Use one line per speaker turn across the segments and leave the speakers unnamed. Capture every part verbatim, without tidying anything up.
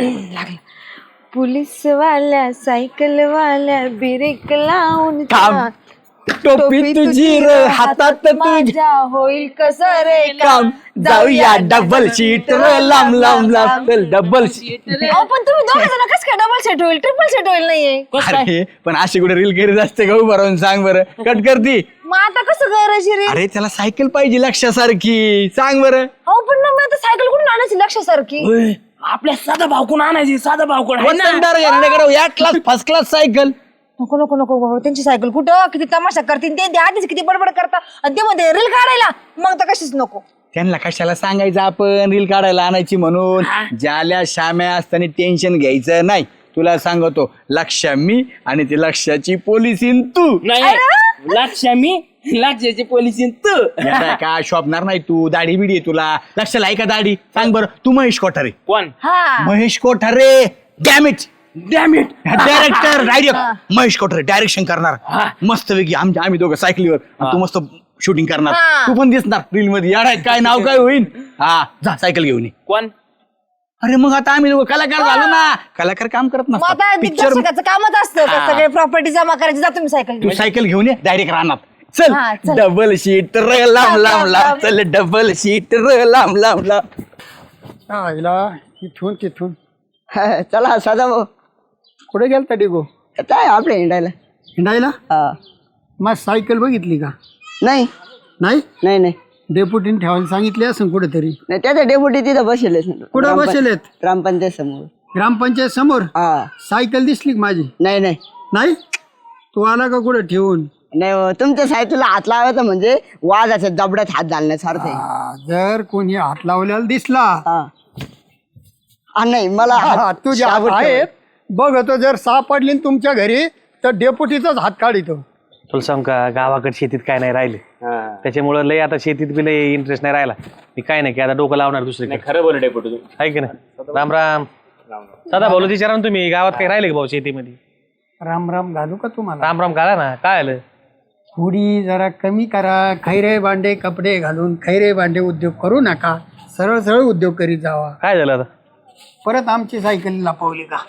लागला. पोलीस वाल्या सायकल वाल्या ब्रेक लावून
थांब. टोपी तुझी र हातात तुझी
माझ्या होईल कसं रे
काम जाऊया डबल सीट र लांब लांब लांब डबल सीट.
अहो पण तुम्ही दोघं जण कसं काय डबल सेट होईल ट्रिपल सेट होईल नाहीये
अरे पण अशी कुठे रील करीत असते का उभं राहून सांग बरं कट करती.
मग आता कसं करायची रे?
अरे त्याला सायकल पाहिजे लक्षासारखी सांग बरं.
अहो पण मग आता सायकल कुठून आणायची लक्षासारखी?
आपल्या साधा भाव कोण आणायची साधा भाव कोण
वतनदार घेण्याकडे या क्लास फर्स्ट क्लास सायकल.
नको नको नको बाबा त्यांची सायकल कुठं किती तमाशा करतील ते आधीच किती बडबड करता आणि ते मध्ये रील काढायला मग तर कशीच नको.
त्यांना कशाला सांगायचं आपण रील काढायला आणायची म्हणून. ज्याल्या शाम्या असताना टेन्शन घ्यायचं नाही. तुला सांगतो लक्ष्या मी आणि ती लक्ष्याची पोलिसीन तू.
नाही लक्ष मी लक्षाची पोलिसी तू
का शोभणार नाही तू. दाढी बिडी आहे तुला. लक्षाला आहे का दाढी सांग बरं. तू महेश कोठारे.
कोण
हा
Mahesh Kothare dammit
damn it
director direct Mahesh Kothare direction करणार मस्त पैकी. आमच्या आम्ही दोघं सायकलीवर तू मस्त शूटिंग करणार. तू पण दिसणार रील मध्ये. यार काय नाव काय होईल. हा जा सायकल घेऊन ये.
कोण
अरे मग आता आम्ही दोघं कलाकार झालो ना. कलाकार काम करत
मग आता
नसतात पिक्चर.
दिग्दर्शकाचं कामच असतं का सगळे प्रॉपर्टी जमा करायची. जा तुम्ही सायकल
तू सायकल घेऊन ये डायरेक्ट राहणार. चल
हा, चल.
डबल सीट र लांब लांब लांब चल डबल सीट र लांब लांब लांब.
आईला इथून तिथून
चला साधा भाऊ
कुठे गेलता डिगो?
काय आपल्या हिंडायला
हिंडायला?
हा.
मग सायकल बघितली का?
नाही
नाही
नाही नाही
डेपुटीने ठेवायला सांगितले असं कुठेतरी.
नाही त्याच्या डेपुटी तिथं बसेल
कुठं बसेलेत?
ग्रामपंचायत समोर.
ग्रामपंचायत समोर.
हा
सायकल दिसली का माझी?
नाही नाही
नाही तू आला का कुठं ठेवून?
नाही हो, तुमच्या सायकलला हात लावायचा म्हणजे वाजाच्या जबड्यात हात घालण्यासारखं आहे.
हा, जर कोणी हात लावलेला दिसला
हा. हा, नाही मला
हा,
हात-
तुझ्या हात
शाबूत
आहेत बघतो. जर सापडली न तुमच्या घरी तर डेपुटीचाच हात काढितो.
तुला सांग का गावाकडे शेतीत काय नाही राहिले त्याच्यामुळे लय आता शेतीत बी लय इंटरेस्ट नाही राहिला. मी काय नाही की आता डोकं लावणार दुसरे.
खरं बोल डेपुटी तू
आहे की नाही. राम राम दादा बोलू विचारा ना तुम्ही गावात काही राहिले का भाऊ शेतीमध्ये?
राम राम घालू का तुम्हाला?
राम राम करा ना. काय आलं
थोडी जरा कमी करा. खैरे भांडे कपडे घालून खैरे भांडे उद्योग करू नका. सरळ सरळ उद्योग करीत जावा.
काय झालं आता?
परत आमची सायकल लपवली का?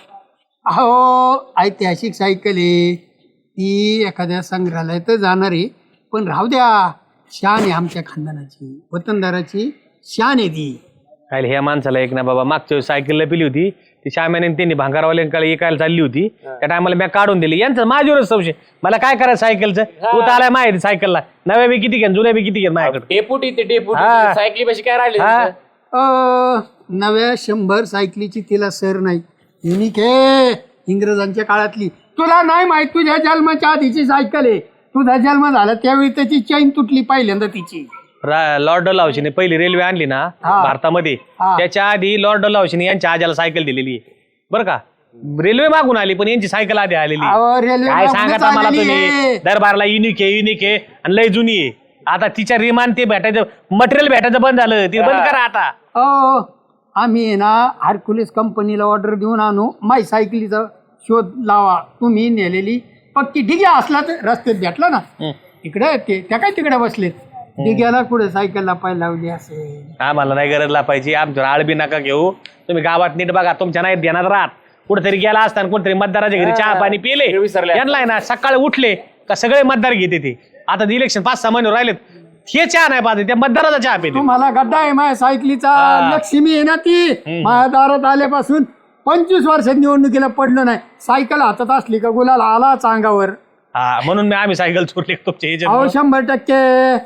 अहो ऐतिहासिक सायकल आहे ती. एखाद्या संग्रहालयात जाणार आहे पण राहू द्या. शान आहे आमच्या खानदानाची वतनदाराची शान आहे ती.
काय ह्या माणसाला एक ना बाबा मागच्या वेळेस सायकलला पिली होती ती श्याम्याने त्यांनी भांगारवाल्यांकडे एकायला चालली होती. त्या टायमाला मी काढून दिली. यांचं माझ्यावरच संशय. मला काय करायचं सायकलचं. तू तर आलाय माहिती सायकलला. नव्या बी किती घेन जुन्या बी किती घेन माझ्याकडे.
डेपुटी ते डेपुटी
हा.
सायकली पाशी काय राहिले
हा.
अ, नव्या शंभर सायकलीची तिला सर नाही. युनिक आहे इंग्रजांच्या काळातली. तुला नाही माहित तुझ्या जन्माच्या आधीची सायकल आहे. तुझा जन्म झाला त्यावेळी त्याची चैन तुटली पहिल्यांदा तिची.
रा- लॉर्ड डलावशीने पहिली रेल्वे आणली ना भारतामध्ये
हा.
त्याच्या आधी लॉर्ड डलावशीने यांच्या आजाला सायकल दिलेली आहे बरं का. रेल्वे मागून आली पण यांची सायकल आधी आलेली आहे.
अहो, रेल्वे
काय
मागूनच
सांगता मला
आलेली
तुम्ही.
आहे.
दरबारला युनिक आहे युनिक आहे आणि लय जुनी आहे. आता तिच्या रिमान ते भेटायचं मटेरियल भेटायचं बंद झालं. ते बंद करा आता.
अ आम्ही आहे ना हार्कुलिस कंपनीला ऑर्डर देऊन आणू. माय सायकलीचा शोध लावा. तुम्ही नेलेली पक्की डिग्या असला तर रस्त्यात भेटला ना इकडे ते त्या काय तिकडे बसलेत. डिग्याला कुठे सायकलला पाय लावली असेल.
आम्हाला नाही गरज लापायची. आमच्यावर आळबी नका घेऊ. तुम्ही गावात नीट बघा. तुमच्या नाही ध्यानात राहत. कुठेतरी गेला असताना कुठेतरी मतदाराच्या घरी चहा पाणी पिले यांना आहे ना सकाळी उठले का सगळे मतदार घेते ते. आता इलेक्शन पाच सहा महिने राहिलेत हे चहा नाही पाहते त्या मतदाराचा चहा पिते.
तुम्हाला गड्डा आहे माझ्या सायकलीचा. लक्ष्मी आहे ना ती. माझ्या दारात आल्यापासून पंचवीस वर्षात निवडणुकीला पडलं नाही. सायकल हातात असली का गुलाल आला अंगावर.
हा म्हणून मी आम्ही सायकल चोरली तुमच्या
अहो
ह्याच्यात.
शंभर टक्के.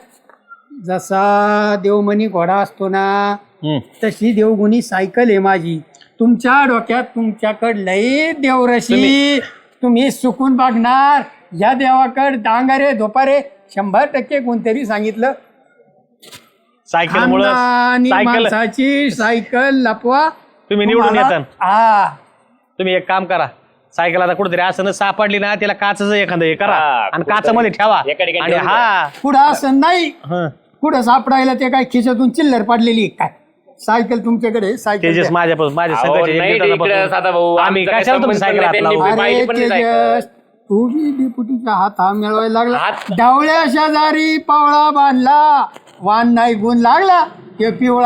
जसा देवमणी घोडा असतो ना तशी देवगुणी सायकल आहे माझी. तुमच्या डोक्यात तुमच्याकडे लई देवरशी. तुम्ही सुकून बघणार या देवाकड डांगारे धोपारे शंभर टक्के कोणतरी सांगितलं
सायकल मुळे
आणि
सायकल
माणसाची सायकल लपवा.
तुम्ही निवडून
तुम्हाला-
येता.
हा
तुम्ही एक काम करा सायकल आता कुठेतरी असं न सापडली ना त्याला काचचं एखादं हे करा
हा,
आणि
कुठंतरी
काचामध्ये ठेवा
एका ठिकाणी
आणि
ठेवून
हा
पुढं असं नाही.
हं.
पुढं सापडायला ते काय खिशातून चिल्लर पडलेली आहे काय. सायकल तुमच्याकडे सायकल
तेजस
द्या.
माझ्या माझ्या
अहो,
संघाच्या
नाही
एक
रे,
दिवसापासून
इकडे साधा भाऊ,
आम्ही
आमचा
कशाला
काही
तुमची
संबंध
सायकल हात
नाही,
लावू?
त्यांनी-
अरे
पाहिजे पण नाही
तेजस तू बी डेपुटीचा हात हा मिळवायला लागला. डावळ्या शेजारी पावळा बांधला वान नाही गुण लागला ते पिवळा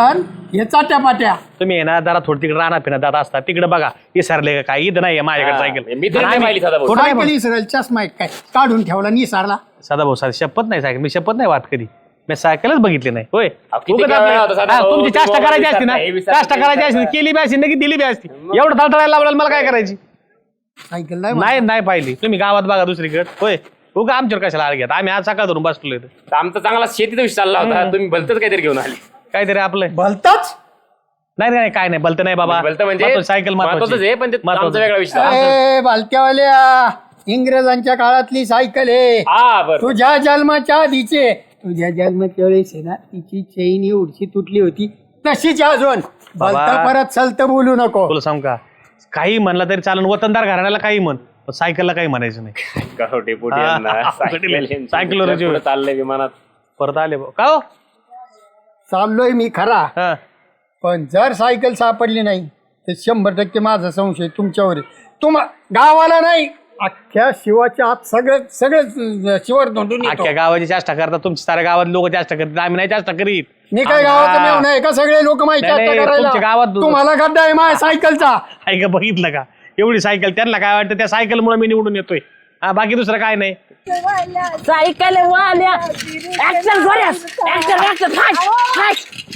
हे चाट्या पाट्या
तुम्ही आहे ना जरा थोडी तिकडे राहणार फिरणार जात असता तिकडे बघा विसरले का काय इथं नाही माझ्याकडे सायकल
मी तरी नाही पाहिली सदाभाऊ.
सायकल इसरेल चष्मा एक काय काढून ठेवला निसारला.
सदाभाऊ साधी शपथ नाही सायकल मी शपथ नाही वाट कधी मी सायकलच बघितली नाही होय
किती
उगाच
वेळा होता
आपली-
सदाभाऊ,
हा, तुमची
तू
चाष्टा
बाबा
करायची असती ना
विसरता, हे विसरता,
चाष्टा
ते
करायची असती
विसरता.
केली बी असती ना की दिली बी असती एवढं थळथळायला लावलं मला काय करायची
सायकल नाही
नाही नाही पाहिली तुम्ही गावात बघा दुसरीकडे होय उगा आमच्यावर कशाला आळ घ्या आम्ही आज सकाळ धरून बसलो इथं
आमचा चांगला शेतीचा विषय चालला होता तुम्ही भलतच काहीतरी घेऊन आले.
काहीतरी आपलं
भलताच.
नाही नाही काय नाही बलत नाही बाबा
भलतं म्हणजे
महत्वाचं, सायकल
महत्वाचंच आहे पण ते
महत्वाचं.
आमचा वेगळा विषय आहे.
ए बालत्यावाल्या इंग्रजांच्या काळातली सायकल आहे.
हा बरं
तुझ्या जन्माच्या आधीचे तुझ्या जन्माच्या वेळेस आहे ना तिची चैन एवढी तुटली होती तशीच अजून. भलता परत चलत बोलू नको.
तुला सांग का काही म्हणलं तरी चालून वतनदार घराण्याला काही म्हण पण सायकलला काही म्हणायचं नाही
गावठी पोटी
हा,
यांना.
हा,
सायकल
सायकल- सायकलवर जीव.
पुढं चाललंय विमानात.
परत आले भाऊ. का हो
चाललोय मी खरा
हा.
पण जर सायकल सापडली नाही तर शंभर टक्के माझा संशय तुमच्यावर आहे. तुम्हा गावाला नाही अख्ख्या शिवाच्या आत सगळं सगळं शिवर धोंडून येतो.
अख्ख्या गावाची चेष्टा करतात तुमची साऱ्या गावात लोक चेष्टा करतात आम्ही नाही चेष्टा करीत
मी काय गावाचं नाव नाही का सगळे लोक माहिती
नाही, नाही,
करायला
तुमच्या गावात दु-
तुम्हाला गड्डा आहे माझ्या सायकलचा.
ऐका बघितलं का एवढी सायकल त्यांना काय वाटतं त्या सायकलमुळे मी निवडून येतोय हा बाकी दुसरं काय नाही
सायकल वाल्या ऍक्शन जोऱ्यास ऍक्शन ऍक्शन फास्ट फास्ट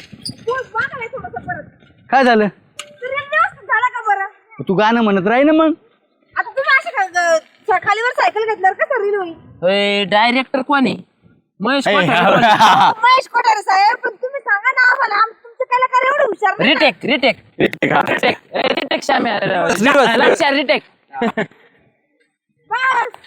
काय झालं
झाला का बरं
तू गाणं म्हणत राही ना मग.
आता तुम्ही अशा खालीवर सायकल घेतल्यावर कसं रील होईल
डायरेक्टर कोण आहे महेश
ए,
कोठारे.
महेश कोठारे साहेब पण तुम्ही सांगा ना आम्हाला आम- तुमचं कलाकार एवढं हुशार नाही का?
Retake retake retake retake Shamya
Reverse.
लक्ष रिटेक
बस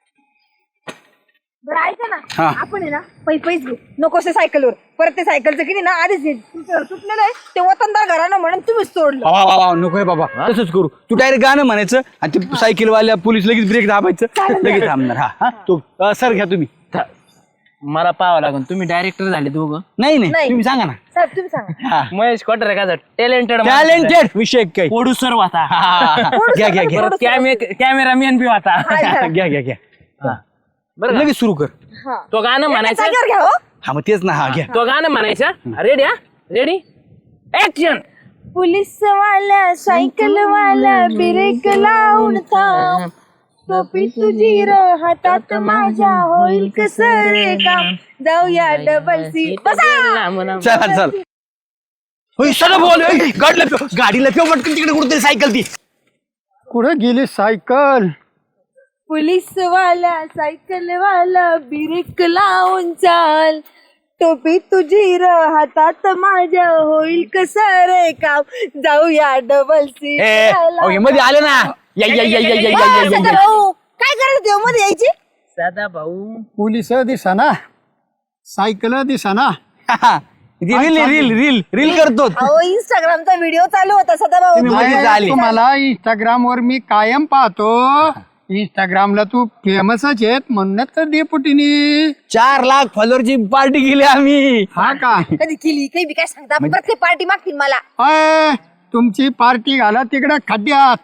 बरं ऐका ना
हा.
आपण आहे ना पै पैस घेऊ नको से सायकलवर परत ते सायकलचं किती ना आधीच हे तुटलं- तुटलेलं आहे ते वतनदार घरानं म्हणून तुम्हीच तोडलं.
वा, वा, वा, नकोय बाबा तसंच करू तू डायरेक्ट गाणं म्हणायचं आणि ते सायकलवाल्या पोलीस लगेच ब्रेक दाबायचं लगेच थांबणार हा हा तू अ, सर घ्या तुम्ही
मला पाहावं लागेल तुम्ही डायरेक्टर झाले दोघं
नाही नाही
नाही.
तुम्ही सांगा ना
साहेब तुम्ही सांगा
हा
महेश कोठारे का टॅलेंटेड
टॅलेंटेड विषय काही
प्रोड्युसर होता
हा, हा, हा. घ्या घ्या घ्या
परत कॅमेरामॅन बी होता
हा, घ्या.
घ्या घ्या घ्या
बरं का?
लगेच सुरू कर
हा.
तो गाणं म्हणायचं
जागेवर घ्या हो
हा मग तेच ना हा घ्या
तो गाणं म्हणायचं रेडी हा रेडी ऍक्शन
पुलिस वाल्या सायकल वाला ब्रेक लावून थांब टोपी तुझी र हातात माझ्या होईल कसं रे काम जाऊया डबल सी बसा
चल चल होय सर बोल ए, गाडीला ठेव, गाडीला ठेव पटकन तिकडे कुठेतरी सायकल ती
कुठं गेली सायकल.
पुलिस वाला सायकल वाला ब्रेक लावून चाल टोपी तुझी र हातात माझ्या होईल कसं रे काम जाऊया डबल सी
ए ओके मध्ये आले ना या या या या या या या या या
काय करायचं देव मध्ये यायची
सदा भाऊ
पोलिस दिसाना सायकल दिसाना.
रील रील रील रील करतो
अहो इंस्टाग्रामचा व्हिडिओ चालू होता सदाभाऊ
तुम्ही मध्ये
अरे,
झाले.
तुम्हाला इंस्टाग्राम वर मी कायम पाहतो. इंस्टाग्रामला तू फेमसच आहेत म्हणूनच तर डेपुटीनी.
चार लाख फॉलोअरची पार्टी केली आम्ही
हा का
कधी केली काही बी काय सांगता प्रत्येक पार्टी मागतील मला
अय, तुमची पार्टी घाला तिकडं खड्ड्यात.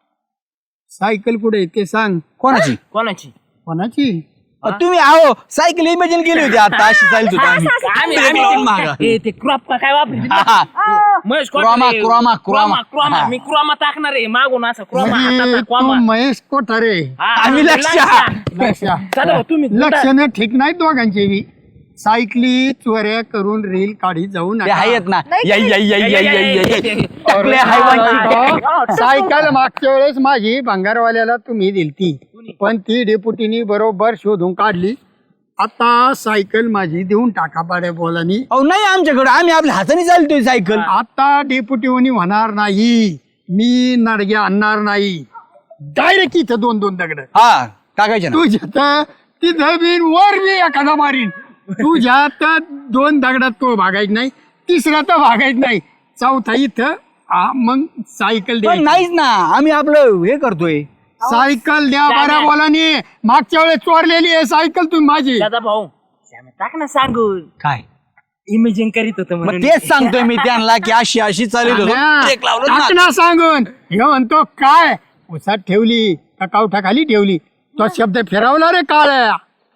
सायकल कुठे आहे ते सांग.
कोणाची
कोणाची
कोणाची.
अ, तुम्ही आहो सायकल इमॅजिन केली होती आता अशी चालत होती आम्ही
आम्ही
Break लावून मागं.
आम्ही ए, ते क्रॉप का काय वापरते
हा, हा.
Mahesh
chroma,
Kothare.
Chroma, chroma.
Chroma
हा.
मी क्रोमा टाकणार आहे मागून असं क्रोमा
म्हणजे
हाताचा
तू
क्रोमा
महेश कोठारे.
हा,
आम्ही लक्ष.
लक्ष
सदा भाऊ, तुम्ही
लक्षणं ठीक नाहीत दोघांची बी. सायकली चोऱ्या करून रील काढी जाऊ
ते
नका.
आहेत ना या या या या या या या. टाकले हायवाची.
सायकल मागच्या वेळेस माझी भंगारवाल्याला तुम्ही दिलती पण ती डेपुटीनी बरोबर शोधून काढली. आता सायकल माझी देऊन टाका पाड्या बोलानी.
अहो नाही आमच्याकडे आम्ही आपल्या हाताने चालतोय सायकल
आता डेपुटीवनी होणार नाही. मी नडगे आणणार नाही. डायरेक्ट इथं दोन दोन दगड
हा टाकायचे ना
तुझ्यात तिथं बिन वर मी एखादा मारीन. तुझ्यात दोन दगडात तो भागायच नाही. तिसरा तर भागायच नाही. चौथा इथं आ, मग सायकल
पण
द्यायची.
नाहीच ना आम्ही आपलं हे करतोय
सायकल द्या बऱ्या बोलानी. मागच्या वेळेस चोरलेली आहे सायकल तुम्ही माझी.
सदा भाऊ श्याम्या, टाक ना सांगून
काय
इमेजिंग करीत होतं
मग
म्हणून
तेच सांगतोय मी त्यांना की अशी अशी चालत होतो ब्रेक लावलं ना.
टाकणं सांगून हे म्हणतो काय उसात ठेवली का कावठा खाली ठेवली तो शब्द फिरवला रे काळ्या.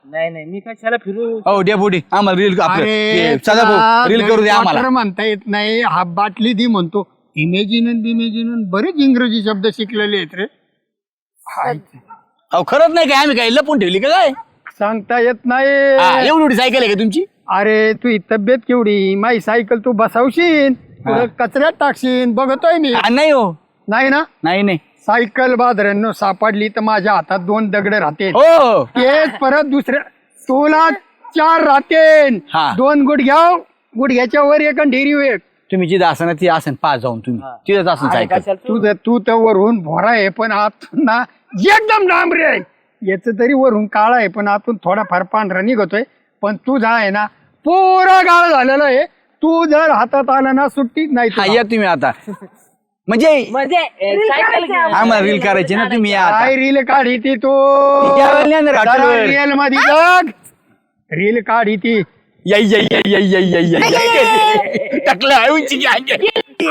नाही नाही मी कशाला फिरू
हो डेपुटी आम्हाला रील
अरे
सदा भाऊ रील करू द्या आम्हाला.
quarter म्हणता येत नाही हा बाटली दी म्हणतो. इमेजिन बिमेजिन बरेच इंग्रजी शब्द शिकलेले आहेत रे. हाय.
अहो खरंच नाही काय आम्ही काय लपून ठेवली का काय?
सांगता येत
हा,
नाही.
एवढी एवढी सायकल आहे का तुमची?
अरे तू ही तब्येत केवढी, माझी सायकल तू बसवशील पुढं कचऱ्यात टाकशील बघतोय मी.
हा, नाही हो
नाही ना,
नाही नाही
सायकल बाजारांनो सापडली तर माझ्या हातात दोन दगड राहते.
हो
तेच परत दुसऱ्या तुला चार राहते.
हा.
दोन गुडघ्या गुडघ्याच्या वर एक आणि ढेरी एक.
तुम्ही जिथं असं ना ती असेल पाच जाऊन तुम्ही तिथंच असेल सायकल.
तू तर तू तर वरून भोरा आहे पण आतून ना एकदम डांबरे आहे. याच तरी वरून काळा आहे पण आतून थोडाफार पांढरा निघतोय. पण तुझा आहे ना पुरा काळ झालेला आहे. तू जर हातात आला ना सुट्टीच नाही
हा
तुला.
या तुम्ही आता म्हणजे
म्हणजे सायकल घे.
आम्हाला रील करायची ना तुम्ही या आता.
काय रील काढी ती तू
यावेळेला नाही येणार हॉटेलवर.
रील मध्ये बघ रील काढी ती.
याई याई याई याई याई याई याई याई टाकलं आहे उंची की अंगे.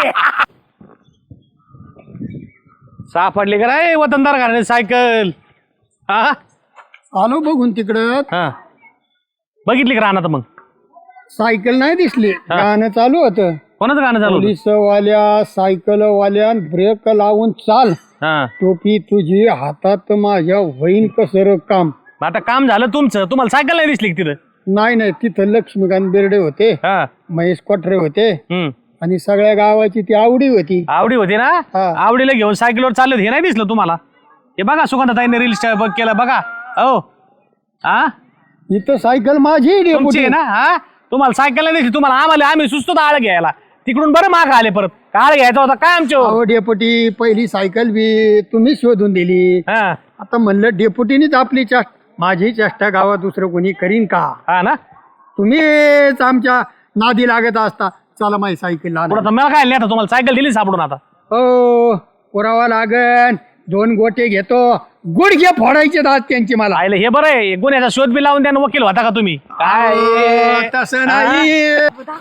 सापडली का नाही वतनदार घराने सायकल? हा
आलो बघून तिकडं
हा बघितली का राहणार मग?
सायकल नाही दिसली. गाणं चालू होतं.
कोणाचं गाणं चालू होतं?
पोलिसवाल्या सायकल वाल्या ब्रेक लावून चाल.
हा
टोपी तुझी हातात माझ्या होईन कसर काम.
आता काम झालं तुमचं, तुम्हाला सायकल नाही दिसली का तिथं?
नाही नाही तिथं लक्ष्मीकांत बेर्डे होते,
हा
महेश कोठरे होते
हम्म
आणि सगळ्या गावाची ती आवडी होती.
आवडी होती ना?
हा.
आवडीला घेऊन सायकलवर चालले हे नाही दिसलं तुम्हाला? हे बघा सुगंधाताईने रील बघ केलं बघा. हो हा
इथं सायकल माझी
तुमची
डेपुटी.
आहे ना? हा तुम्हाला सायकल नाही दिसली, तुम्हाला आम्हाला आम्ही सुचतो आळ घ्यायला. तिकडून बरं माग आले परत. आळ घ्यायचा होता काय आमच्या?
अहो डेपुटी पहिली सायकल बी तुम्ही शोधून दिली.
हा
आता म्हणलं डेपुटीनीच आपली चेष्टा माझी चेष्टा गावात दुसरं कोणी करीन का?
हा ना
तुम्हीच आमच्या नादी लागत असता. चला माझी सायकल
पुढं तर मला काय नाही आता तुम्हाला सायकल दिली सापडून आता.
हो पुरावा लागन. दोन गोटे घेतो गुडघे फोडायचे दात त्यांची मला.
पाहिलं हे बरं आहे. गुन्ह्याचा शोध बी लावून द्या वकील होता का तुम्ही? काय
अहो, तसं नाही.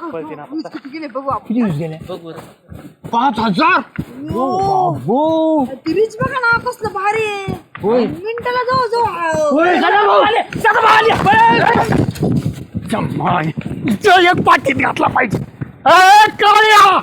पाच हजार
तिरीच बघा ना कसलं भारी आहे. मिनिटाला जाऊ जाऊ
एक पाकीट घातला पाहिजे. ए, काळ्या!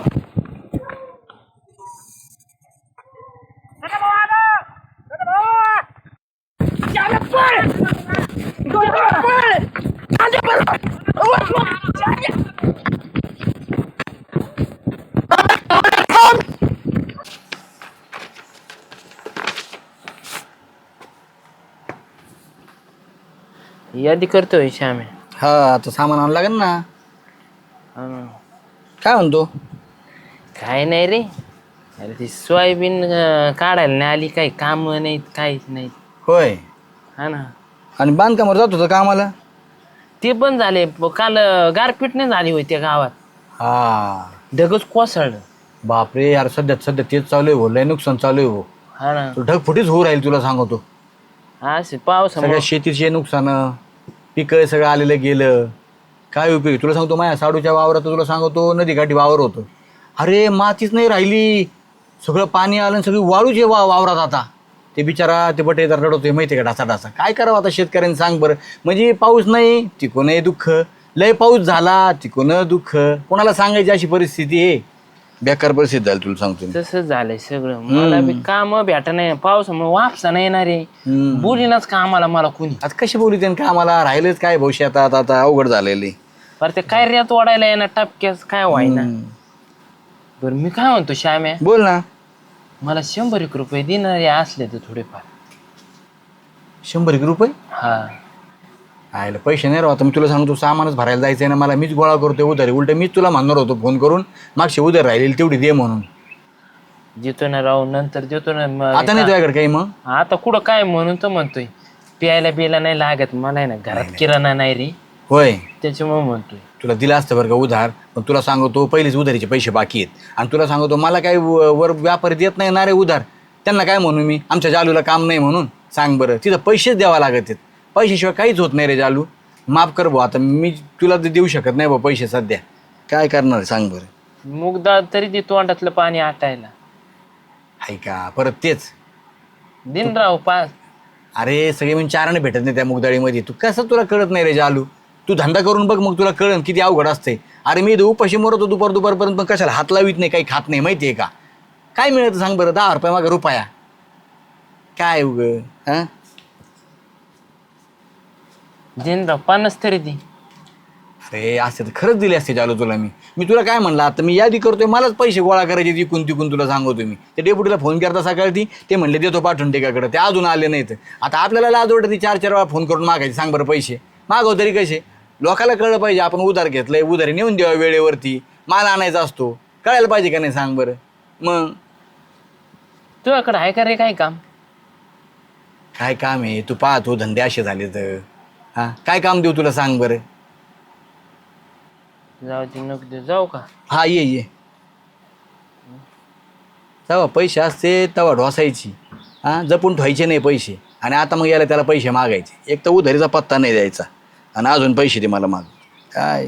यादी करतोय श्यामे.
हा आता सामान आणावं लागेल ना.
अं,
काय म्हणतो?
काय नाही रे. अरे ती सोयाबीन अं, काढायला नाही आली, काही काम नाहीत काहीच नाही.
होय
हा ना
आणि बांधकामावर जात होतं कामाला?
ते पण झाले. प- काल अं, गारपीट नाही झाली होती त्या गावात.
हा
ढगच कोसळलं.
बापरे यार सध्या सध्या तेच चालू आहे हो. लय नुकसान चालू आहे हो.
हा ना
ढगफुटीच होऊ राहील तुला सांगतो.
असे पावसामुळे
सगळ्या शेतीचे नुकसान पिकं सगळं आलेलं गेलं. काय उपयोग? तुला सांगतो माझ्या साडूच्या वावरात तुला सांगतो नदीकाठी वावर होतं. अरे मातीच नाही राहिली. सगळं पाणी आलं आणि सगळी वाळूचे वा वावरात आता. ते बिचारा ते बटेदार रडवतोय माहिती का ढासा ढासा. काय करावं आता शेतकऱ्यांनी सांग बरं. म्हणजे पाऊस नाही तिकोनही दुःख, लय पाऊस झाला तिकोन दुःख. कोणाला सांगायची अशी परिस्थिती आहे. बेकार परिस्थिती झाली तुला सांगतो मी.
तसंच झालंय सगळं. मला बी काम भेट नाही पावसामुळे वापसा नाही येणार रे. बोलीनाच कामाला मला कुणी.
आता कशी बोलू त्यानं का आम्हाला राहिलंच काय भविष्य आता आता आता अवघड झालेली.
बरं ते काय रेत वाढायला येणार टपक्यास काय व्हायना. बरं मी काय म्हणतो श्याम्या,
बोल ना.
मला शंभर एक रुपये देणारे असले तर थोडेफार.
शंभर एक रुपये?
हा
आयला पैसे नाही राहता. मी तुला सांगतो सामानच भरायला जायचं आहे ना मला. मीच गोळा करतोय उधारी. उलट मीच तुला म्हणणार होतो फोन करून मागशी उधार राहिलेली तेवढी दे म्हणून.
देतो ना राहू नंतर देतो ना. मग
आता नाही तुझ्याकडे काही मग?
आता कुठं काय म्हणून तर म्हणतोय. प्यायला बियायला नाही लागत मला आहे ना. घरात किराणा नाही रे
होय
त्याच्यामुळे म्हणतोय.
तुला दिला असतं बरं का उधार. पण तुला सांगतो पहिलेच उधारीचे पैसे बाकी आहेत. आणि तुला सांगतो मला काही व- वर व्यापारी देत नाही ना रे उधार. त्यांना काय म्हणू मी? आमच्या जालूला काम नाही म्हणून सांग बरं. तिथं पैसेच द्यावा लागत आहेत. पैशाशिवाय काहीच होत नाही रे जालू. माफ कर भाऊ. आता मी तुला ते देऊ शकत नाही भाऊ पैसे सध्या. काय करणार आहे सांग बरं.
मुगदा तरी ते तोंडातलं पाणी आटायला.
आहे का परत तेच?
दिन राव पाच
अरे सगळे म्हणजे चाराने भेटत नाही त्या मुगदाळीमध्ये. तू कसं तुला कळत नाही रे जालू. तू धंदा करून बघ मग तुला कळन किती अवघड असते. अरे मी उपाशी मरतो दुपार दुपारपर्यंत पण कशाला हात लावित नाही, काही खात नाही माहिती आहे का. काय मिळतं सांग बरं, दहा रुपये मागे रुपया काय उग हां.
दिनराव पन्नास तरी ती.
अरे असे तर खरंच दिले असते जालू तुला. मी मी तुला काय म्हणलं आता, मी यादी करतोय, मलाच पैसे गोळा करायचे तिकून तिकून तुला सांगतो मी. ते डेप्युटीला फोन करता सकाळी, ते म्हणले देतो पाठवून टेकाकडे, ते अजून आले नाहीत. आता आपल्याला लाज वाटते चार चार वेळा फोन करून मागायचे. सांग बरं पैसे मागव तरी कसे. लोकाला कळलं पाहिजे आपण उधार घेतलंय, उधारी नेऊन द्यावा वेळेवरती. माल आणायचा असतो, कळायला पाहिजे का नाही सांग बरं. मग
तुझ्याकडे आहे का रे काय काम?
काय काम आहे तू पाहतो, धंदे असे झाले तर हां काय काम देऊ तुला सांग बरं.
जाऊ दे नको देऊ, जाऊ का?
हा ये ये. तेव्हा पैसे असते तेव्हा ढोसायची, हां जपून ठेवायचे नाही पैसे. आणि आता मग याला त्याला पैसे मागायचे. एक तर उधारीचा पत्ता नाही द्यायचा आणि अजून पैसे दे मला माग. काय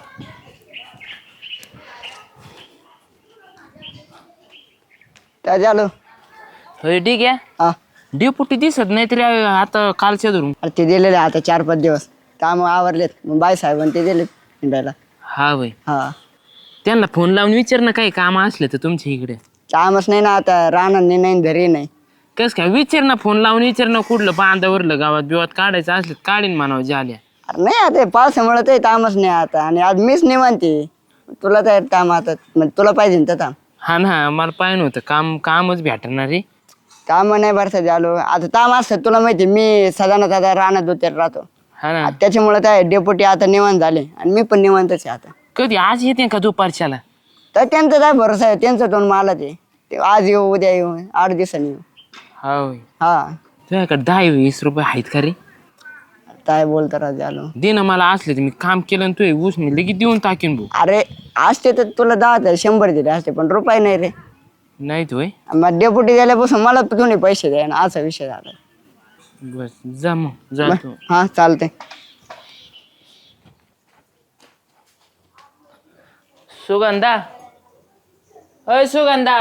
काय झालं?
होय ठीक आहे.
हा
डेपुटी दिसत नाही तरी आता कालच्या धरून.
अरे ते दिलेले आता चार पाच दिवस काम आवरलेत, मग बाई साहेबांनी ते दिले हिंडायला.
हा होय.
हा
त्यांना फोन लावून विचार ना काही काम असले तर तुमच्या इकडे.
कामच नाही ना आता, राहणार नाही घरी नाही.
कस काय विचार ना, फोन लावून विचार ना कुठलं बांधावरलं गावात बिवात काढायचं असलं काढीन म्हणावं झाल्या.
अरे नाही आता पावसामुळे ते कामच नाही आता, आणि आज मीच नाही म्हणते तुला तर काम आता, मग तुला पाहिजे ना तर काम.
हा ना मला पाहिजे होतं काम, कामच भेटणार रे.
काम नाही बरं झालो आता, काम असतं तुला माहिती मी सदाना दादा राहणार होते राहतो.
हा ना.
त्याच्यामुळे काय डेप्युटी आता निवांत झाले आणि मी पण निवांतच आहे आता.
कधी आज येते का दुपारच्याला?
तर त्यांचं काय भरोसा आहे, त्यांचं दोन मला ते ते आज येऊ उद्या येऊ आठ दिवसांनी येऊ.
हा होय.
हा
तुझ्याकडे दहा वीस रुपये आहेत का रे?
काय बोलतो राज आलो.
दे ना मला असले तर मी काम केलं आणि तू ऊस मी लगेच देऊन टाकीन भाऊ.
अरे असते तर तुला दहा तर शंभर दिले असते, पण रुपये नाही रे.
नाही होय.
मग डेप्युटी गेल्यापासून मला तुम्ही पैसे द्या ना, असा विषय झाला.
बस जा मग जातो.
हा चालते.
सुगंधा, अय सुगंधा,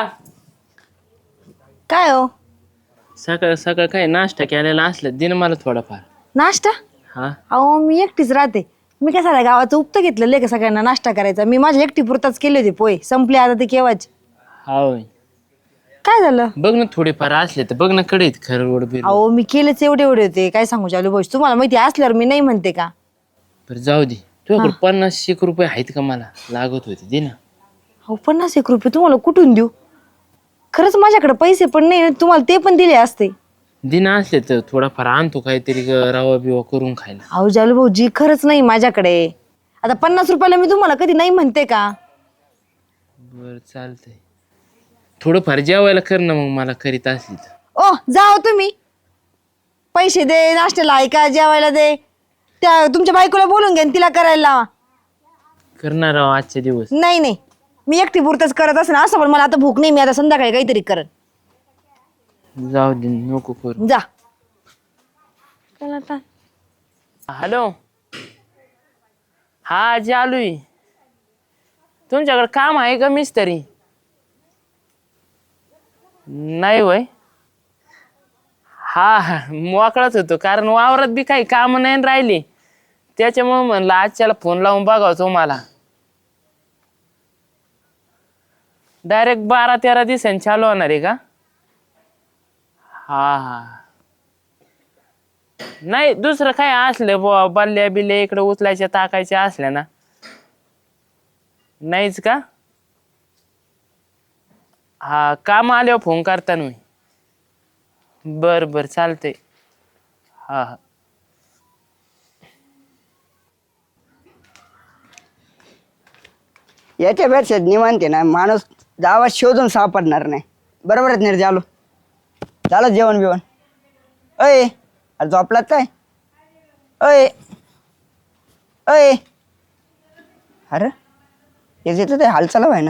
काय हो
सकाळ सकाळ काय नाश्ता केलेला असलं दिन मला थोडाफार.
नाश्ता?
हा
अहो मी एकटीच राहते. मी काय साऱ्या गावाचं उपतं घेतलेलं आहे का सगळ्यांना नाश्ता करायचा. मी माझ्या एकटी पुरताच केले होते पोहे, संपले आता ते केव्हाच.
हा होय.
काय झालं?
बघ ना थोडेफार असले तर बघ ना कडे खरं रोड बिर.
अहो मी केलेच एवढे एवढे होते, काय सांगू चालू भाऊ, तुम्हाला माहिती असल्यावर मी नाही म्हणते का.
बरं जाऊ दे. तुझ्याकडे पन्नास एक रुपये आहेत का? मला लागत होते दे ना.
अहो पन्नास एक रुपये तुम्हाला कुठून देऊ? खरंच माझ्याकडे पैसे पण नाही, तुम्हाला ते पण दिले असते.
दिन असले तर थोडाफार आणतो काहीतरी रवा बिवा करून खायला.
अहो जालू भाऊजी खरंच नाही माझ्याकडे. आता पन्नास रुपयाला मी तुम्हाला कधी नाही म्हणते का.
बर चालतंय. थोडंफार जेवायला कर ना मग मला करीत असली तर.
ओ जाओ तुम्ही, पैसे दे, नाश्त्याला ऐका, जेवायला दे. त्या तुमच्या बायकोला बोलून घ्या, तिला करायला लावा.
करणार आहो आजचे दिवस.
नाही नाही मी एकटी पुरतच करत असं असं, पण मला आता भूक नाही, मी आता संध्याकाळी काहीतरी करत.
जाऊ दे नको करू.
जा.
हॅलो, हा जालूय. तुमच्याकडे काम आहे का मिस्त्री? नाही वय. हा हा मोकळाच होतो, कारण वावरात बी काही काम नाही राहिली, त्याच्यामुळे म्हणलं आजच्याला फोन लावून बघावं तुम्हाला. डायरेक्ट बारा तेरा दिवसांनी चालू होणार आहे का? हा हा नाही दुसरं काय असलं बुवा, बल्ल्या बिल्ल्या इकडे उचलायच्या टाकायच्या असल्या ना. नाहीच का? हा काम आल्यावर फोन करता मी. बर बर चालतंय. हा हा
याच्यापेक्षा निवांत ना माणूस गावात शोधून सापडणार नाही. बरोबर आहेत निर् झालो. झालं जेवण बिवण? अय अरे झोपलात काय? अय अय अरे हे येतं ते हालचाल आहे ना.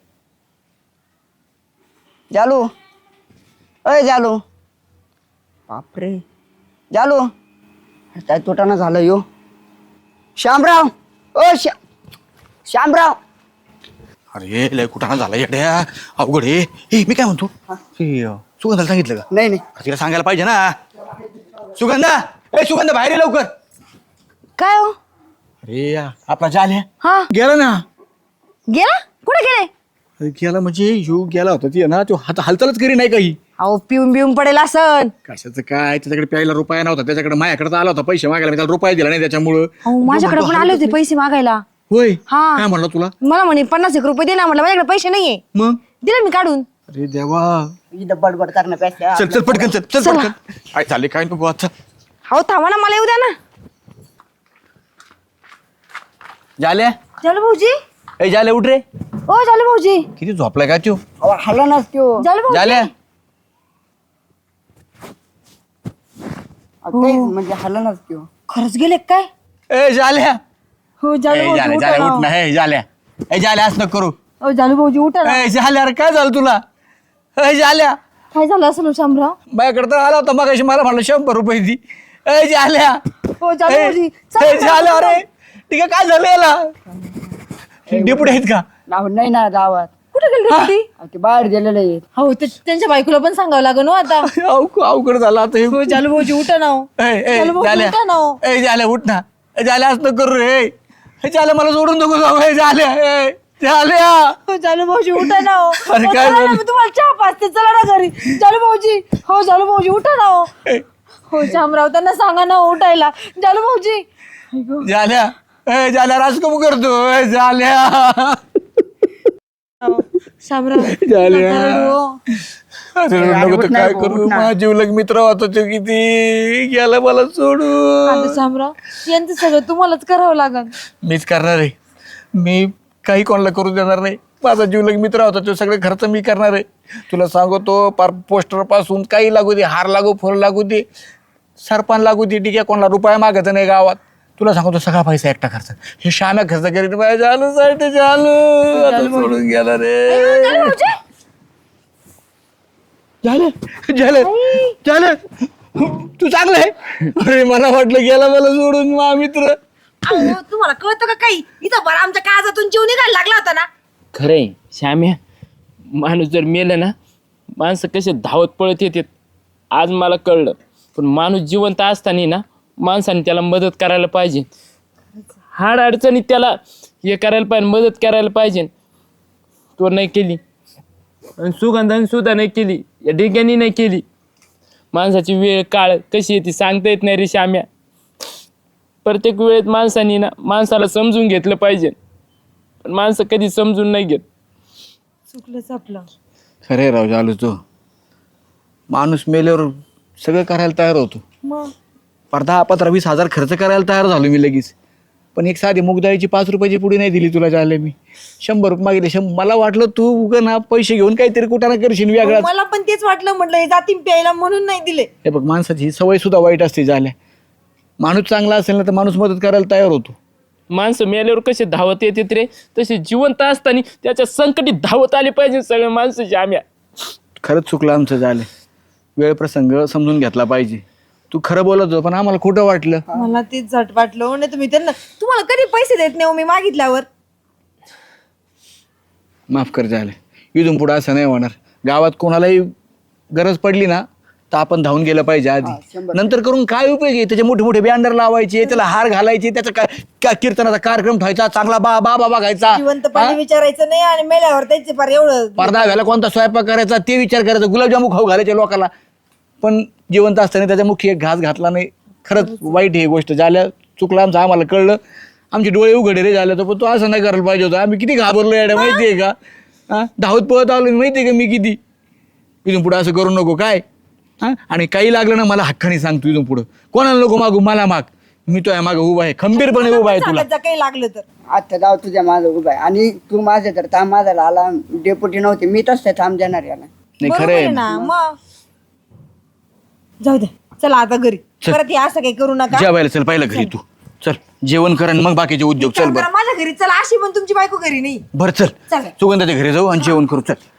जालू, अय जालू, बापरे जालू, काय तोटाना झालं यो. श्यामराव, ओ श्या श्यामराव.
अरे लय कुठाना झाला येड्या, अवघड आहे. हे मी काय म्हणतो, हे सुगंधाला सांगितलं का?
नाही नाही
तिला सांगायला पाहिजे ना. सुगंधा ए सुगंधा बाहेर ये लवकर.
काय हो?
अरे या, आपला जाल्या
हा
गेला ना.
गेला? कुठे गेले?
अरे गेला म्हणजे ह्यो गेला होता ती ना, तो हात हालचालच करी नाही काही.
अहो पिऊन बिऊन पडेल असन.
कशाचं काय, त्याच्याकडे प्यायला रुपया नव्हता, त्याच्याकडे माझ्याकडे आला होता पैसे मागायला, मी त्याला रुपया दिला नाही त्याच्यामुळं.
अहो माझ्याकडे पण आले होते पैसे मागायला.
होय
हा.
काय म्हणलं तुला?
मला म्हणे पन्नास एक रुपये दे ना, म्हटलं माझ्याकडे पैसे नाहीये.
मग
दिले मी काढून.
अरे देवा.
इथं बडबड करण्यापेक्षा
चल चल पटकन चल चल पटकन. काय झाले काय नको आता.
अहो थांबा ना, मला येऊ द्या ना.
झाल्या
झालं भाऊजी.
ए झाले उठ रे.
ओ झालं भाऊजी.
किती झोपलाय का तू?
अहो, हल्ला नसतो
झालं भाऊजी.
झाल्या
म्हणजे हल्ला नसतो.
खरंच गेले काय?
ए झाल्या
हो झालं
ए
भाऊजी
झाल्या
उठा
झाल्या
ना.
उठ ना. ए झाल्या ए झाल्या असं नको करू.
ओ झालं भाऊजी उठा ना.
ए झाल्या अरे काय झालं तुला? ए झाल्या
काय झालं असं शामराव?
माझ्याकडे तर आला होता मग मला म्हणलं शंभर रुपये दी. ए झाल्या
हो झालं
ए
भाऊजी.
ए, झाल्या अरे ठीक आहे काय झालं याला? डेपुटी आहेत का?
नाव नाही ना गावात.
कुठे गेली होती?
अहो, ते बाहेर गेलेले आहेत.
हो ते त्यांच्या बायकोला पण सांगावं लागेल हो आता.
अवघड अवघड झालं आता हे.
हो झालं भाऊजी उठा ना हो.
ए, ए,
झालं भाऊजी
झाल्या
उठा ना हो.
ए झाल्या उठ ना. ए, झाल्या असं नको करू रे. ए, झाल्या मला सोडून नको जाऊ. ए झाल्या ए झाल्या
हो झालं भाऊजी उठा ना हो.
अरे
हो,
काय
चला ना,
झालं?
मी तुम्हाला चहा पाचते, चला ना घरी. झालं भाऊजी. हो झालं भाऊजी उठा ना हो. हो शामराव त्यांना सांगा ना हो उठायला. झालं भाऊजी.
झाल्या ए झाल्या राज कमू करतो. ए झाल्या
शामराव
झाल्या.
नका रडू हो.
अरे नको तर काय करू. माझा जीवलग मित्र होता तो किती गेला मला सोडून.
आता शामराव यांचं सगळं तुम्हालाच करावं लागल.
मीच करणार आहे. मी काही कोणाला करू देणार नाही. माझा जीवलग मित्र होता तो सगळे खर्च मी करणार आहे. तुला सांगतो पार पोस्टर पासून काही लागू दे, हार लागू, फुल लागू दे, सरपण लागू दे, ठीक आहे कोणाला रुपया मागायचा नाही गावात. तुला सांगतो सगळा पैसा एकटा खर्च. हे श्याम्या खर्च करीत माझ्या झालं साठी झालं आता सोडून गेला रे. झालं झालं झालं तू चांगलं आहे. अरे मला वाटलं गेला मला सोडून मा मित्र.
अहो, तुम्हाला कळतं का काही? इथं बरं आमच्या काळजातून जीव निघायला लागला होता ना.
खरंय श्याम्या, माणूस जर मेलं ना, माणसं कसे धावत पळत येतात आज मला कळलं. पण माणूस जिवंत असताना ना माणसाने त्याला मदत करायला पाहिजे. हाड अडचणीत त्याला हे करायला पाहिजे, मदत करायला पाहिजे. तो नाही केली आणि सुगंधाने सुद्धा नाही केली, या डिग्यानी नाही केली. माणसाची वेळ काळ कशी येते सांगता येत नाही रे श्याम्या. प्रत्येक वेळेत माणसाने ना माणसाला समजून घेतलं पाहिजे, पण माणसं कधी समजून नाही घेत.
चुकलंच आपलं.
खरे राव झालो तो माणूस मेल्यावर सगळं करायला तयार होतो.
मग
पर दहा पंधरा वीस हजार खर्च करायला तयार झालो मी लगेच. पण एक साधी मुगदाळीची पाच रुपयाची पुडी नाही दिली तुला झाले. मी शंभर रुपये मागितले. शंभर मला वाटलं तू उगं ना पैसे घेऊन काहीतरी कुठं ना करशील वेगळा.
मला पण तेच वाटलं, म्हटलं हे जातीन प्यायला म्हणून नाही दिले.
हे बघ माणसाची ही सवय सुद्धा वाईट असते झाल्या. माणूस चांगला असेल ना तर माणूस मदत करायला तयार होतो.
माणसं मेल्यावर कसे धावत येतात रे, तसे जिवंत असताना त्याच्या संकटी धावत आले पाहिजे सगळे माणसं श्याम्या.
खरंच चुकलं आमचं झालं. वेळ प्रसंग समजून घेतला पाहिजे. तू खरं बोलत होतो पण आम्हाला खोटं वाटलं.
मला तेच झट वाटलं. नाही तुम्ही त्यांना, तुम्हाला कधी पैसे देत नाही हो मी मागितल्यावर.
माफ कर झालं. इथून पुढं असं नाही होणार. गावात कोणालाही गरज पडली ना तर आपण धावून गेलं पाहिजे आधी. नंतर करून काय उपयोग आहे? त्याचे मोठे मोठे बॅनर लावायचे, त्याला हार घालायचे, त्याचा काय काय कीर्तनाचा कार्यक्रम ठेवायचा, चांगला बा बा बाबा घ्यायचा,
जिवंतपणे विचारायचं नाही आणि मेल्यावर त्याचे फार एवढं.
पडदा घाला, कोणता स्वयंपाक करायचा ते विचार करायचा, गुलाबजामू खाऊ घालायचे लोकांना. पण जिवंत असताना त्याच्या मुखी एक घास घातला नाही. खरंच वाईट ही गोष्ट झाल्या. चुकलं आमचं, आम्हाला कळलं. आमचे डोळे उघडे रे झाले. तर पण तो असं नाही करायला पाहिजे होतं. आम्ही किती घाबरलो याड्या माहितीये का? हा धावत पळत आलो माहितीये का मी किती. इथून पुढं असं करू नको काय. हा आणि काही लागलं ना मला हक्काने सांग. तू इथून पुढं कोणाला नको मागू, मला माग. मी तो मागं उभा आहे, खंबीरपणे उभा आहे तुला.
काही लागलं तर
आता जाऊ तुझ्या माझं उभा आहे आणि तू माझ्या तर थांब माझा आला. डेपुटी नव्हते मी तसं थांब देणार याला.
नाही
बरोबर
खरं
आहे
आहे.
ना. मग जाऊ दे, चला आता घरी. परत हे असं काही करू नका.
जेवायला चल पहिलं घरी. तू चल जेवण कर आणि मग बाकीचे उद्योग. चल
काम
बरं
करा, माझ्या घरी चला. अशी पण तुमची बायको घरी नाही.
बरं चल
चला.
सुगंधाच्या घरी जाऊ आणि जेवण करू. चल.